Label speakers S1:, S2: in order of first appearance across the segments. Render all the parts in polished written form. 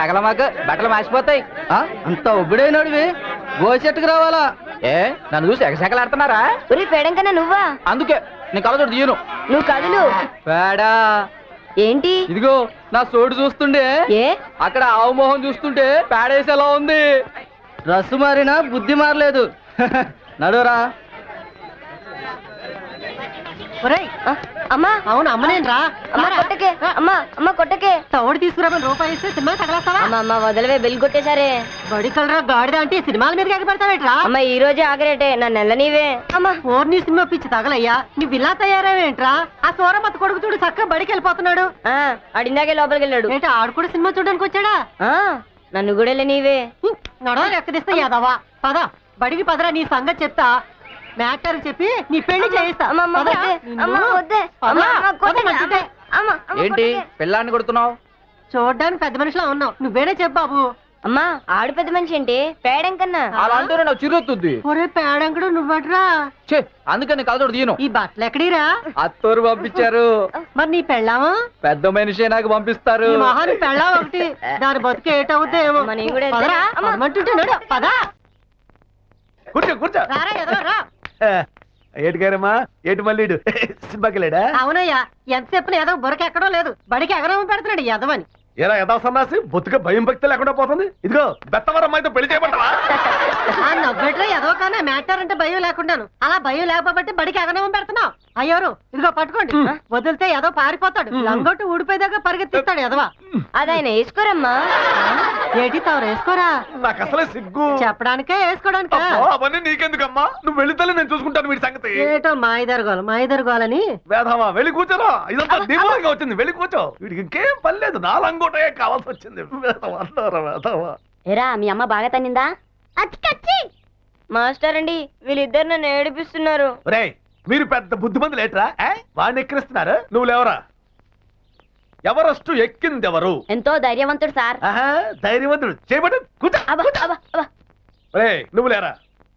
S1: తగల మాకు బట్టలు మాసిపోతాయి.
S2: అంత ఒబ్బుడైనడివి గోసెట్టుకు రావాలా?
S1: ఏ నన్ను చూసి ఎగసెకలాడుతున్నారా?
S3: ఉరి పేడం కన్నా నువ్వా?
S1: అందుకే నేను కలచోడు తీయను.
S3: నువ్వు కదులు.
S2: పేడా
S3: ఏంటి?
S2: ఇదిగో నా సోడు చూస్తుండే
S3: ఏ
S2: అక్కడ ఆవు మొహం చూస్తుంటే పేడేసేలా ఉంది. రస్సు మారినా బుద్ధి మారలేదు. నడురా.
S3: అమ్మా
S4: అవును అమ్మనేనరా.
S3: అమ్మా కొట్టకే, అమ్మా అమ్మ కొట్టకే.
S4: తోడు తీసుకురామని రూపాయి ఇస్తే సినిమా తగలేస్తావా?
S3: అమ్మ అమ్మ వదలవే, బెల్ కొట్టేశారే.
S4: బడి కలరా గాడిద అంటే సినిమాల మీద ఎగబెడతావేట్రా?
S3: అమ్మ ఈ రోజే ఆగరేటే, నన్ను నెల నీవే. అమ్మా
S4: ఓర్ని సినిమా పిచ్చి తగలయ్యా. నువ్వు ఇలా తయారావేంట్రా? ఆ సూరమత్త కొడుకు చూడు చక్కగా బడికి వెళ్ళిపోతున్నాడు.
S3: అడిందాకే లోపలికి వెళ్ళాడు.
S4: ఏంటి ఆడు కూడా సినిమా చూడడానికి వచ్చాడా?
S3: నన్ను కూడా నీవే.
S4: నడవలు ఎక్కడిస్తా యాదవా. పద బడికి పదరా, నీ సంగతి చెప్తా. మ్యాటర్ చెప్పి నీ పెళ్లి చేయిస్తా.
S1: ఏంటి పిల్లాన్ని కొడుతున్నావు?
S4: చూడ్డానికి పెద్ద మనిషిలా ఉన్నావు, నువ్వేనే చెప్పు బాబు.
S3: అమ్మా ఆడు పెద్ద మనిషి ఏంటి, పేడం కన్నా.
S1: అలా అంటూనే నాకు చిరుతుంది.
S4: ఒరే పేడంకుడు నువ్వట్రా.
S1: అందుకని కలచోడు తీయను.
S4: ఈ బట్టలు ఎక్కడిరా?
S2: అత్తూరు పంపించారు.
S4: మరి నీ పెళ్ళామా?
S2: పెద్ద మనిషి నాకు పంపిస్తారు.
S4: ఈ మహాని పెళ్ళా ఒకటి, దాని బతుకు ఏటవుద్దేమో. పదా
S5: కూర్చో కూర్చో.
S4: రారా ఎదవా రా.
S5: ఏటి గారమ్మా, ఏటి మళ్ళీ సినిమాకి వెళ్ళాడా?
S4: అవునయ్యా, ఎంతసేపు ఏదో బురక ఎక్కడో లేదు, బడికి ఎగరవ పెడుతున్నాడు ఎదవని.
S5: ఏరా యథా సన్నాసి, బొత్తుగా భయం భక్తి లేకుండా పోతుంది. ఇదిగో బెత్తవరం అమ్మాయితో పెళ్లి చేయబడ్డావా?
S4: నవ్వెట్రా ఎదవ కానీ మ్యాటర్ అంటే భయం లేకుండాను. అలా భయం లేకపోతే బడికి ఎగరవ పెడుతున్నావు. అయ్యోరు ఇదిగో పట్టుకోండి, వదిలితే ఏదో పారిపోతాడు. లంగొట్టు ఊడిపోయేదాకా పరిగెత్తిస్తాడు ఎదవా.
S3: అదాయన వేసుకోరమ్మా.
S4: ఏటి తవరు వేసుకోరా?
S5: నాకు అసలే సిగ్గు.
S4: చెప్పడానికే వేసుకోవడానికా?
S5: అవన్నీ నీకెందుకమ్మా, నువ్వు వెళితే నేను చూసుకుంటాను వీడి సంగతి.
S4: ఏటో మాయిదరుగోలని
S5: వేధమా వెళ్ళి కూర్చోరా. ఇదంతా దీపావళిగా వచ్చింది, వెళ్ళి కూర్చో. వీడికి ఇంకేం పని లేదు, నాలంగోటే కావాల్సి వచ్చింది. వేధమా
S3: ఎరా మీ అమ్మ బాగా తన్నిందా? మాస్టర్ అండి వీళ్ళిద్దరు నన్ను ఏడిపిస్తున్నారు.
S5: రే మీరు పెద్ద బుద్ధిమంతులు ఏట్రా, వాడిని ఎక్కిరిస్తున్నారు. నువ్వు లేవరా. ఎవరెస్ట్ ఎక్కింది ఎవరు?
S3: ఎంతో ధైర్యవంతుడు సార్.
S5: ధైర్యవంతుడు చేయబడి కూర్చో. రే నువ్వు లేరా.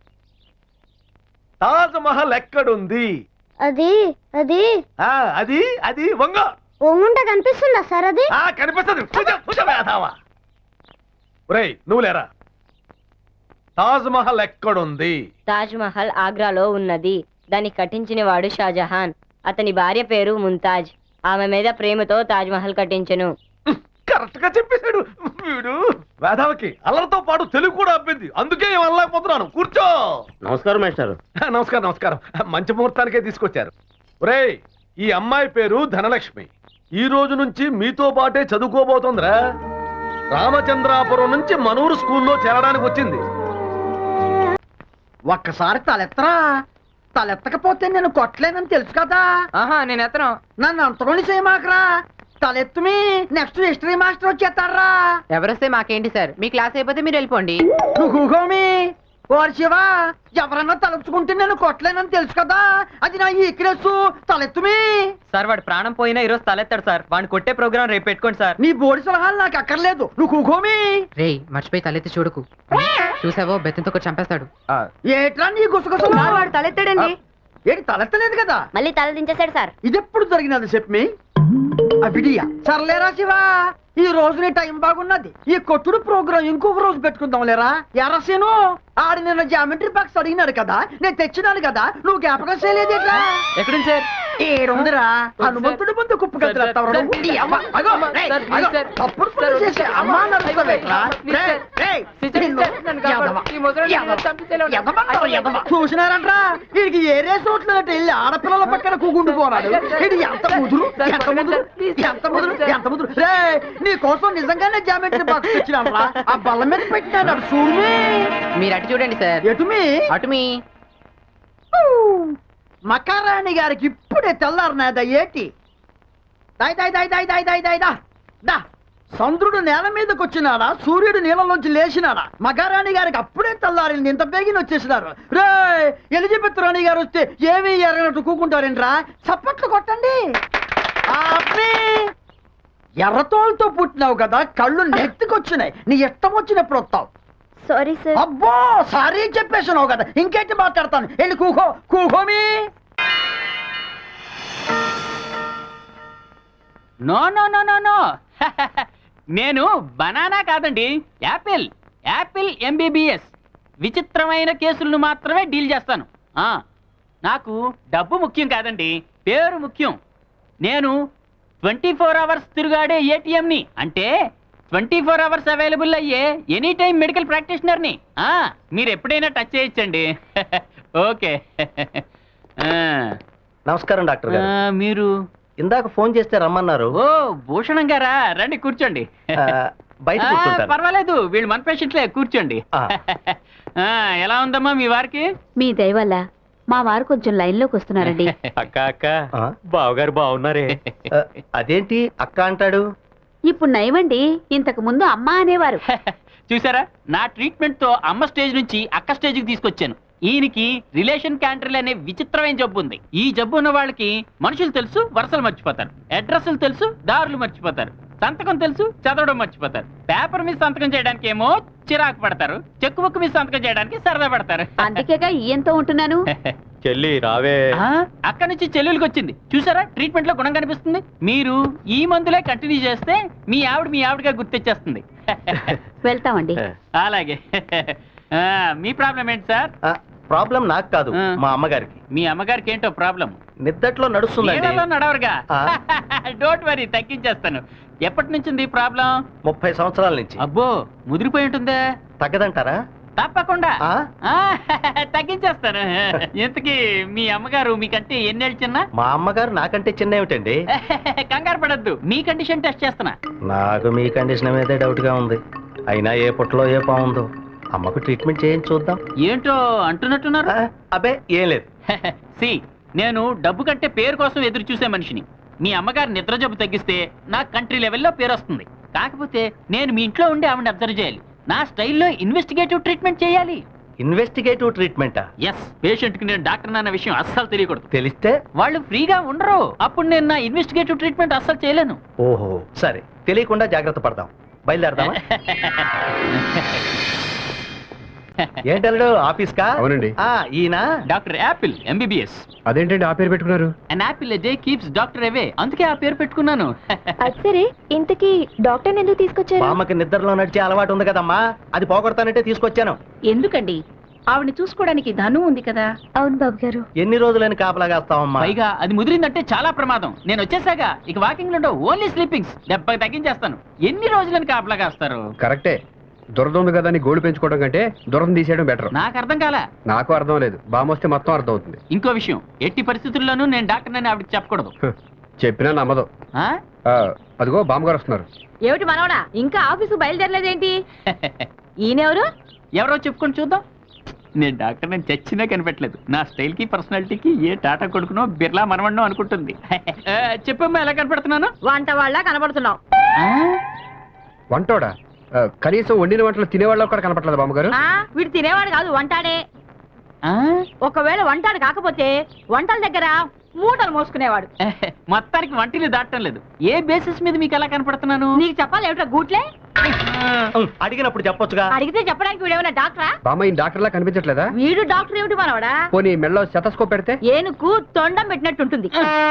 S5: తాజ్ మహల్ ఎక్కడుంది?
S3: అది అది
S5: అది అది వంగ
S3: ఒంగుంట కనిపిస్తుందా సార్? అది
S5: కనిపిస్తుంది. రే నువ్వు లేరా. తాజ్ మహల్ ఎక్కడుంది?
S3: తాజ్ మహల్ ఆగ్రాలో ఉన్నది. దాన్ని కట్టించిన వాడు షాజహాన్. అతని భార్య పేరు ముంతాజ్. ఆమె మీద ప్రేమతో తాజ్ మహల్ కట్టించెను.
S5: కరెక్ట్ గా చెప్పేశాడు వీడు. వేధావకి అల్లరితో పాటు తెలుగు కూడా అబ్బింది, అందుకే వెళ్ళలేకపోతున్నాను. కూర్చో.
S6: నమస్కారం మేస్టారు.
S5: నమస్కారం నమస్కారం. మంచి ముహూర్తానికే తీసుకొచ్చారు. ఒరేయ్ ఈ అమ్మాయి పేరు ధనలక్ష్మి. ఈ రోజు నుంచి మీతో పాటే చదువుకోబోతోందిరా. రామచంద్రాపురం నుంచి మనూరు స్కూల్లో చేరడానికి వచ్చింది.
S2: ఒక్కసారి తలెత్తరా. తలెత్తకపోతే నేను కొట్టలేనని తెలుసు కదా.
S1: నేను ఎత్తను.
S2: నన్ను అంతలోని చేయమాకరా. తలెత్తుమి నెక్స్ట్ హిస్టరీ మాస్టర్ వచ్చేస్తారా.
S1: ఎవరొస్తే మాకేంటి సార్, మీ క్లాస్ అయిపోతే మీరు వెళ్ళిపోండి.
S2: నువ్వు కూకోమి. ఓర్ శివా, ఎవరన్నా తలుచుకుంటే నేను కొట్టలేనని తెలుసు కదా. అది నా ఈక్రెస్. తలెత్తుమి.
S1: సార్ వాడు ప్రాణం పోయినా ఈరోజు తలెత్తాడు సార్. వాడిని కొట్టే ప్రోగ్రామ్ రేపు పెట్టుకోండి సార్.
S2: నీ బోడి సలహాలు నాకు అక్కర్లేదు. నువ్వు కూకోమి.
S1: రే మర్చిపోయి తలెత్తి చూడకు. చూసావో బెత్తంతో కూడా చంపేస్తాడు.
S2: ఏట్రా నీ గుసగుసలు?
S3: వాడు తలెత్తాడండి.
S2: ఏంటి తలెత్తలేదు కదా?
S3: మళ్ళీ తల దించేశాడు సార్.
S2: ఇది ఎప్పుడు జరిగినది చెప్పి అవిడియా. సర్లేరా శివా, ఈ రోజు నీ టైం బాగున్నది. ఈ కొట్టుడు ప్రోగ్రాం ఇంకొక రోజు పెట్టుకుందాం లేరా. ఎర్రసేను ఆడి నిన్న జామెట్రీ బాక్స్ అడిగినాడు కదా, నేను తెచ్చినాను కదా, నువ్వు జ్ఞాపకం చేయలేదేట్రా?
S1: ఎక్కడుంది సార్?
S2: ఏడుందిరా. హనుమంతుడి ముందు కుప్పు కదులుతావు. చూసినారంట్రా, వీడికి ఏరే చోట్లకి వెళ్ళి ఆడపిల్లల పక్కన కూకుంటూ పోనాడు. ఇది ఎంత ముదురు, ఎంత ముదురు, ఎంత ముదురు, ఎంత ముదురు. రే నీ కోసం నిజంగానే జామెట్రీ బాక్స్ తెచ్చినాను. ఆ బల్ల మీద పెట్టినాడు చూడు.
S1: మీరు అటు చూడండి సార్.
S2: ఎటుమి?
S1: అటుమి.
S2: మకారాణి గారికి ఇప్పుడే తెల్లారనేదా ఏటి? చంద్రుడు నేల మీదకి వచ్చినాడా, సూర్యుడు నీళ్ళలోంచి లేచినాడా? మకారాణి గారికి అప్పుడే తెల్లారింది. ఇంత బేగిన వచ్చేసినారు. రే ఎలిజబెత్ రాణి గారు వస్తే ఏమీ ఎరగనట్టు కూకుంటారేంట్రా? చప్పట్లు కొట్టండి. ఎర్రతోలతో పుట్టినావు కదా, కళ్ళు నెత్తికొచ్చినాయి. నీ ఇష్టం వచ్చినప్పుడు వస్తావు.
S3: Sorry sir.
S2: అబ్బో సారీ చెప్పేసినావు కదా, ఇంకేంటి మాట్లాడతాను. వెళ్ళి కూకో. కూకోమి.
S1: No no no no no
S6: నేను బనానా కాదండి, యాపిల్. Apple MBBS. విచిత్రమైన కేసులను మాత్రమే డీల్ చేస్తాను. నాకు డబ్బు ముఖ్యం కాదండి, పేరు ముఖ్యం. నేను 24 అవర్స్ తిరుగాడే ఏటీఎంని, అంటే 24 అవర్స్ అవైలబుల్ అయ్యే ఎనీ టైం మెడికల్ ప్రాక్టీషనర్ని. మీరు ఎప్పుడైనా టచ్ చేయొచ్చండి. ఓకే.
S7: నమస్కారం డాక్టర్ గారు.
S6: మీరు
S7: ఇందాక ఫోన్ చేస్తే రమ్మన్నారు.
S6: ఓ భూషణం గారా, రండి కూర్చోండి.
S7: బయట కూర్చుంటాను.
S6: పర్వాలేదు, వీళ్ళు మన పేషెంట్లే, కూర్చోండి. ఎలా ఉందమ్మా మీ వారికి?
S8: మీ దయ వల్ల మా వారు కొంచెం లైన్లోకి వస్తున్నారండి.
S1: అక్క అక్క బావగారు బాగున్నారే?
S7: అదేంటి అక్క అంటాడు?
S8: ఇప్పుడు నయమండి, ఇంతకు ముందు అమ్మ అనేవారు.
S6: చూసారా, నా ట్రీట్మెంట్ తో అమ్మ స్టేజ్ నుంచి అక్క స్టేజ్ కి తీసుకొచ్చాను. ఈయనకి రిలేషన్ క్యాంటర్లు అనే విచిత్రమైన జబ్బు ఉంది. ఈ జబ్బు ఉన్న వాళ్ళకి మనుషులు తెలుసు, వరుసలు మర్చిపోతారు. అడ్రస్లు తెలుసు, దారులు మర్చిపోతారు. సంతకం తెలుసు, చదవడం మర్చిపోతారు. పేపర్ మీద సంతకం చేయడానికి ఏమో చిరాకు పడతారు, చెక్కు బుక్ మీద సంతకం చేయడానికి సరదా పడతారు.
S8: అందుకేగా ఈయంతో ఉంటున్నాను.
S1: చెల్లి రావే.
S6: అక్కడి నుంచి చెల్లెలికి వచ్చింది. చూసారా, ట్రీట్మెంట్ లో గుణం కనిపిస్తుంది. మీరు ఈ మందులే కంటిన్యూ చేస్తే మీ ఆవిడగా గుర్తొచ్చేస్తుంది.
S8: వెళ్తామండి.
S6: అలాగే. మీ ప్రాబ్లం ఏంటి సార్?
S7: ప్రాబ్లం నాకు కాదు, మా అమ్మగారికి.
S6: మీ అమ్మగారికి ఏంటో ప్రాబ్లం?
S7: నిద్దట్లో నడుస్తుందండి.
S6: నడవరుగా. డోంట్ వరీ, తగ్గించేస్తాను. ఎప్పటి నుంచి ఉంది ప్రాబ్లం?
S7: 30 సంవత్సరాల నుంచి.
S6: అబ్బో, ముదిరిపోయి ఉంటుందే.
S7: తగ్గదంటారా?
S6: తప్పకుండా తగ్గించేస్తాను. ఇంతకీ మీ అమ్మగారు మీకంటే ఎన్నేళ్ళు చిన్న?
S7: మా అమ్మగారు నాకంటే చిన్న ఏమిటండి?
S6: కంగారు పడద్దు, మీ కండిషన్ టెస్ట్ చేస్తున్నా.
S7: నాకు మీ కండిషన్ మీదే డౌట్ గా ఉంది. అయినా ఏ పుట్టలో ఏ పాముందో. అమ్మకు ట్రీట్మెంట్ చేయండి చూద్దాం.
S6: ఏంటో అంటున్నట్టున్నారు.
S7: అబ్బే ఏం లేదు.
S6: సి, నేను డబ్బు కంటే పేరు కోసం ఎదురు చూసే మనిషిని. మీ అమ్మగారు నిద్ర జబ్బు తగ్గిస్తే నా కంట్రీ లెవెల్లో పేరు వస్తుంది. కాకపోతే నేను మీ ఇంట్లో ఉండి ఆవిడని అబ్జర్వ్ చేయాలి. నా స్టైల్లో ఇన్వెస్టిగేటివ్ ట్రీట్మెంట్ చేయాలి.
S7: ఇన్వెస్టిగేటివ్ ట్రీట్మెంటా?
S6: ఎస్. పేషెంట్ కి నేను డాక్టర్ అన్న విషయం అస్సలు తెలియకూడదు.
S7: తెలిస్తే
S6: వాళ్ళు ఫ్రీగా ఉండరు. అప్పుడు నేను నా ఇన్వెస్టిగేటివ్ ట్రీట్మెంట్ అస్సలు చేయలేను.
S7: ఓహో సరే, తెలియకుండా జాగ్రత్త పడదాం. బయలుదేరదామా? ఏంటల్లుడు, ఆఫీస్ కా?
S9: అవునండి.
S7: ఈయన
S6: డాక్టర్ యాపిల్ ఎంబీబీఎస్.
S9: అదేంటండి ఆ పేరు పెట్టుకున్నారు?
S6: An apple a day keeps doctor away, అందుకే ఆ పేరు పెట్టుకున్నాను.
S8: అది సరే, ఇంతకీ డాక్టర్ ఎందుకు తీసుకొచ్చారు?
S7: బామ్మకి నిద్రలో నడిచే అలవాటు ఉంది కదమ్మా, అది పోగొడతానంటే తీసుకొచ్చాను.
S8: ఎందుకండి? ఆవిడని చూసుకోవడానికి ధను ఉంది కదా. అవును బాబు గారు.
S7: ఎన్ని రోజులని కాపలాగాస్తావమ్మా?
S6: పైగా అది ముదిరిందంటే చాలా ప్రమాదం. నేను వచ్చేసాక ఇక వాకింగ్ లో ఓన్లీ స్లీపింగ్స్. 70 తగ్గించేస్తాను. ఎన్ని రోజులని కాపలాగాస్తారు?
S9: కరెక్టే. దురద ఉంది కదా అని గోల్డ్ పెంచుకోవడం కంటే దురద తీసేయడం బెటర్.
S6: నాకు అర్థం కాలా.
S9: నాకు అర్థం లేదు, బామొస్తే మొత్తం అర్థం అవుతుంది.
S6: ఇంకో విషయం, ఎట్టి పరిస్థితుల్లోనూ నేను డాక్టర్ అని ఆవిడకి చెప్పకూడదు.
S9: చెప్పినా నమ్మదు. అదిగో బామ్మగారు వస్తున్నారు.
S8: ఏమిటి మనవడా, ఇంకా ఆఫీసు బయలుదేరలేదేంటి? ఈయనెవరు?
S6: ఎవరో చెప్పుకొని చూద్దాం. నేను డాక్టర్ నేను చచ్చినా కనిపెట్టలేదు. నా స్టైల్ కి పర్సనాలిటీకి ఏ టాటా కొడుకునో బిర్లా మనవన్నో అనుకుంటుంది. చెప్పమ్మా, ఎలా కనపడుతున్నాను?
S8: వంట వాళ్ళ కనబడుతున్నావు.
S9: వంటోడా? కనీసం వండిన వంటలు తినేవాళ్ళు కూడా కనపట్లేదు బామ్మగారు.
S8: వీడు తినేవాడు కాదు, వంటాడే. ఒకవేళ వంటాడు కాకపోతే వంటల దగ్గర మూటలు మోసుకునేవాడు.
S6: మొత్తానికి వంటిని దాటం లేదు. ఏ బేసిస్ మీద మీకు ఎలా కనపడుతున్నాను?
S8: నీకు చెప్పాలి ఏమిటో గూట్లే.
S7: అడిగినప్పుడు చెప్పొచ్చుగా.
S8: అడిగితే చెప్పడానికి వీడేమైనా డాక్టరా?
S9: బామ్మ ఈ డాక్టర్ లా కనిపించట్లేదా?
S8: వీడు డాక్టర్ ఏమిటి మనవడా?
S9: పోనీ మెడలో స్టెతస్కోప్ పెడితే?
S8: ఏనుకు తొండం పెట్టినట్టుంటుంది.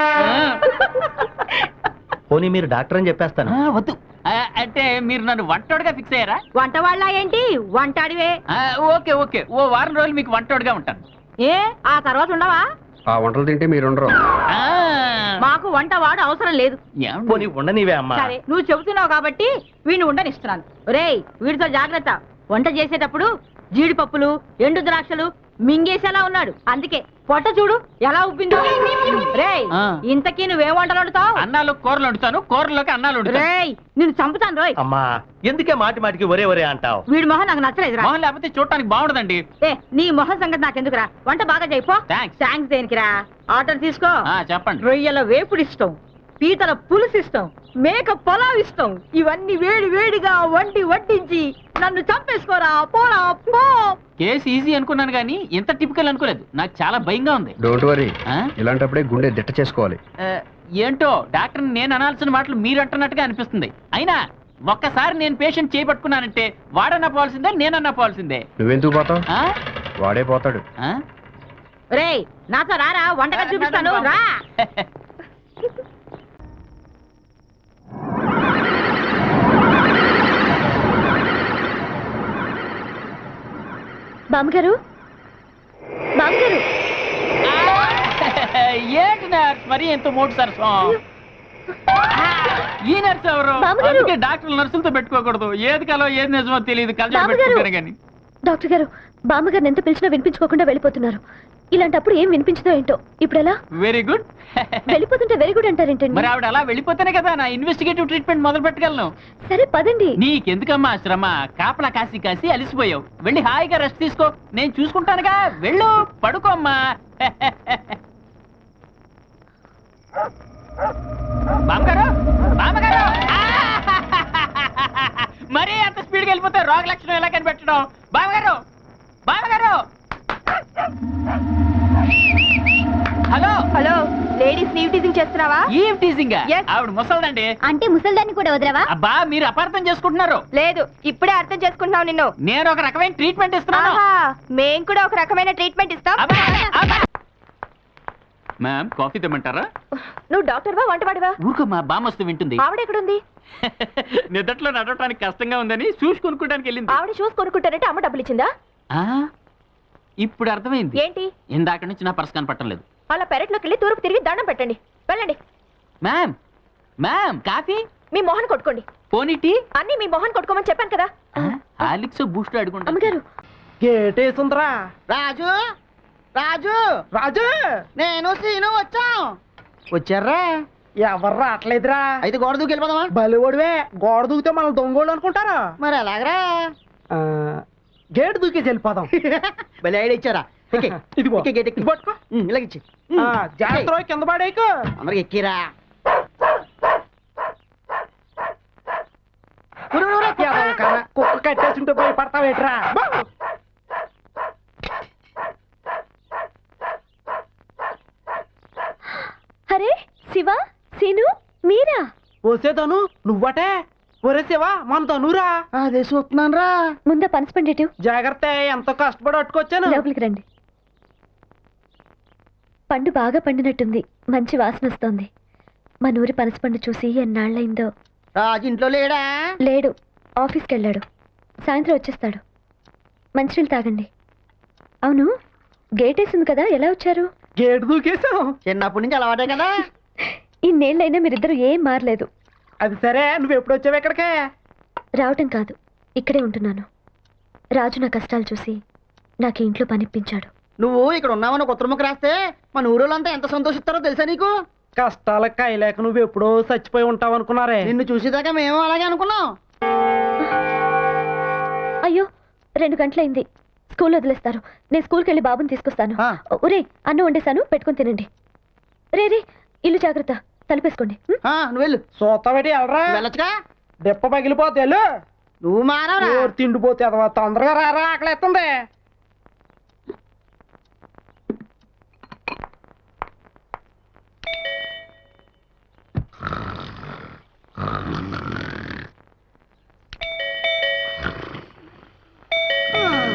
S7: పోనీ మీరు డాక్టర్ అని చెప్పేస్తాను.
S6: వద్దు. అంటే మీరు నన్ను వంటోడుగా ఫిక్స్ అయ్యారా?
S8: వంట వాళ్ళ ఏంటి, వంటాడివే.
S6: ఓకే ఓకే, ఓ వారం రోజులు మీకు వంటోడుగా ఉంటాను.
S8: ఏ ఆ తర్వాత ఉండవా?
S9: ఆ వంటలు తింటే మీరు ఉండరు.
S8: మాకు వంట వాడు అవసరం లేదు.
S7: పోనీ ఉండనివే అమ్మా.
S8: సరే, నువ్వు చెబుతున్నావు కాబట్టి వీడిని ఉండనిస్తున్నాను. ఒరేయ్, వీడితో జాగ్రత్త. వంట చేసేటప్పుడు జీడిపప్పులు, ఎండు ద్రాక్షలు మింగేసేలా ఉన్నాడు. అందుకే పొట్ట చూడు ఎలా ఉబ్బిందో. రేయ్, ఇంతకీ నువ్వేం వంటలు వండుతావు?
S6: అన్నాలు కూరలు వండుతాను, కూరలోకి అన్నాలు వండుతాను.
S8: రేయ్, నిన్ను చంపుతాను రోయ్.
S7: అమ్మా, ఎందుకే మాటి మాటికి ఒరే ఒరే అంటావు?
S8: వీడి మొహం నాకు నచ్చలేదురా.
S6: మొహం లేకపోతే చూడటానికి బాగుండదండి.
S8: ఏ, నీ మొహం సంగతి నాకెందుకురా? వంట బాగా చేయిపో. థ్యాంక్స్ దేనికిరా? ఆర్డర్ తీసుకో.
S6: చెప్పండి.
S8: రొయ్యల వేపుడు ఇష్టం, పీతల పులుసు ఇష్టం, మేక పొలావ్ ఇష్టం. ఇవన్నీ వేడి వేడిగా వడ్డించి నన్ను చంపేసుకోరా, పోరా పో.
S6: కేసు ఈజీ అనుకున్నాను కానీ ఇంత టిపికల్ అనుకోలేదు. నాకు చాలా భయంగా ఉంది.
S9: డోంట్ వరీ, ఇలాంటప్పుడే గుండె దిట్ట చేసుకోవాలి.
S6: ఏంటో డాక్టర్ నేను అనాల్సిన మాటలు మీరు అంటున్నట్టుగా అనిపిస్తుంది. అయినా ఒక్కసారి నేను పేషెంట్ చేయబట్టుకున్నానంటే వాడన్నా పోవాల్సిందే, నేనన్నా పోవాల్సిందే.
S9: నువ్వెందుకు పోతావు? వాడే పోతాడు.
S8: రేయ్, నాతో రారా, వంటగా చూపిస్తాను రా. బామ్మగారు బామ్మగారు
S6: ఏంటి నర్స్ మరి ఎంత మోటు సరసం ఈ నర్స్ ఎవరు
S8: బామ్మగారు.
S6: అందుకే డాక్టర్లు నర్సులతో పెట్టుకోకూడదు ఏది కలో ఏది నిజమో తెలియదు కలజోడు
S8: బామ్మగారు.
S6: పెట్టుకుంటారు కానీ
S8: డాక్టర్ గారు బామ్మగారిని ఎంత పిలిచినా వినిపించుకోకుండా వెళ్ళిపోతున్నారు. ఇలాంటప్పుడు ఏం వినిపించదో ఏంటో ఇప్పుడు ఎలా
S6: వెరీ గుడ్
S8: వెళ్ళిపోతుంటే వెరీ గుడ్ అంటారేంటండి?
S6: మరి ఆవిడ అలా వెళ్ళిపోతేనే కదా నా ఇన్వెస్టిగేటివ్ ట్రీట్మెంట్ మొదలు పెట్టగలను
S8: సరే పదండి.
S6: నీకెందుకమ్మా శ్రమ కాపలా కాసి కాసి అలిసిపోయావు వెళ్ళి హాయిగా రెస్ట్ తీసుకో నేను చూసుకుంటానుగా వెళ్ళు పడుకోమ్మా బామ్మగారు బామ్మగారు మరీ అంత స్పీడ్గా వెళ్ళిపోతే రోగ లక్షణం ఎలా కనిపెట్టడం బామ్మగారు బామ్మగారు హలో
S8: హలో లేడీస్ నీవ్ టీజింగ్ చేస్తున్నావా?
S6: Eve teasing
S8: Yes.
S6: ఆవిడ ముసల్దండి
S8: అంటే ముసల్దాన్ని కూడా వదలవా?
S6: అబ్బా మీరు అపార్థం చేసుకుంటున్నారు
S8: లేదు ఇప్పుడే అర్థం చేసుకుంటున్నావు నిన్ను.
S6: నేను ఒక రకమైన ట్రీట్మెంట్ ఇస్తున్నాను
S8: మేం కూడా ఒక రకమైన ట్రీట్మెంట్ ఇస్తాం.
S6: అబ్బా, అబ్బా. మ్యామ్ కాఫీ తెమ్మంటారా
S8: నువ్వు డాక్టర్ వా వంటవాడివా?
S6: ఊరుకో మా బామ్మస్తు వింటుంది
S8: ఆవిడ ఎక్కడుంది?
S6: నిద్దట్లో నడవటానికి కష్టంగా ఉందని షూస్ కొనుక్కోడానికి వెళ్ళింది
S8: ఆవిడ షూస్ కొనుక్కుంటారంటే అమ్మ డబ్బులు ఇచ్చిందా?
S6: ఆ, ఇప్పుడు అర్థమైంది
S8: ఏంటి
S6: ఇందాక నుంచి నా పర్స్ కనపడటం లేదు
S8: అలా పెరట్లోకి వెళ్ళి తూర్పు తిరిగి దండం పెట్టండి. వెళ్ళండి.
S6: మ్యామ్ మ్యామ్ కాఫీ
S8: మీ మొహన్ కొట్టుకోండి.
S6: పోనీ టీ
S8: అన్ని మీ మొహన్ కొట్టుకోమని చెప్పాను కదా.
S6: హాలిక్స్ బూస్ట్ అడుగుంటా
S8: అమ్మగారు
S2: గేటేసుందిరా. రాజు రాజు రాజు నేను సీను వచ్చాం. వచ్చారా? ఎవరు రావట్లేదురా. అయితే గోడ దూకి వెళ్ళిపోదామా? బలివడివే గోడ దూకితే మనం దొంగోళ్ళు అనుకుంటారా? మరి ఎలాగరా? గేట్ దూకేసి వెళ్ళిపోదాం. బలి ఐడియా ఇచ్చారా? ఇదిగో గేట్ ఎక్కి పట్టుకో. ఇలాగిచ్చి జాగ్రత్త కింద పడేకు. అందరికి ఎక్కిరా. కుక్క కట్టేసింటే భయపడతావేట్రా?
S8: అరే శివ సీను మీరా?
S2: వసేదను నువ్వటే. ఒరే శివ మన తనురా. అదే చూస్తున్నాను రా.
S8: ముందా పనసపండి
S2: జాగ్రత్త ఎంతో కష్టపడి పట్టుకొచ్చాను.
S8: లోపలికి రండి. పండు బాగా పండినట్టుంది. మంచి వాసన వస్తోంది. మన ఊరి పనసపండు చూసి ఎన్నాళ్ళైందో.
S2: రాజు ఇంట్లో లేడా?
S8: లేడు, ఆఫీస్కి వెళ్ళాడు. సాయంత్రం వచ్చేస్తాడు. మంచినీళ్ళు తాగండి. అవును గేట్ వేసింది కదా, ఎలా వచ్చారు?
S2: గేటు దూకేసాం. చిన్నప్పటి నుంచి అలవాటే కదా.
S8: ఇన్నేళ్ళైనా మీరిద్దరు ఏం మారలేదు.
S2: అది సరే, నువ్వు ఎప్పుడు వచ్చావు ఇక్కడికే?
S8: రావటం కాదు, ఇక్కడే ఉంటున్నాను. రాజు నా కష్టాలు చూసి నాకు ఈ ఇంట్లో పనిప్పించాడు.
S2: నువ్వు ఇక్కడ ఉన్నావని కొత్త ముక్క రాస్తే మన ఊరోళ్ళంతా ఎంత సంతోషిస్తారో తెలుసా నీకు? కష్టాలకు కాయలేక నువ్వు ఎప్పుడో చచ్చిపోయి ఉంటావు అనుకున్నారే. నిన్ను చూసేదాకా మేము అలాగే అనుకున్నాం.
S8: అయ్యో 2 గంటలైంది. స్కూల్ వదిలేస్తారు. నేను స్కూల్కి వెళ్ళి బాబుని తీసుకొస్తాను.
S2: ఆ.
S8: ఒరే అన్నం వండేశాను, పెట్టుకొని తినండి. రే రే ఇల్లు జాగ్రత్త, తలుపేసుకోండి.
S2: నువ్వు వెళ్ళు. సోతాబెట్టి వెళ్ళరా. వెళ్ళొచ్చుగా. దెప్ప పగిలిపోతే వెళ్ళు. నువ్వు మానవరా. తిండిపోతే అదవా. తొందరగా రారా, ఆకలేస్తుంది.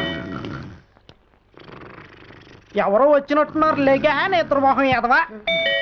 S2: ఎవరో వచ్చినట్టున్నారు. లేగా నిద్రమోహం ఎదవా.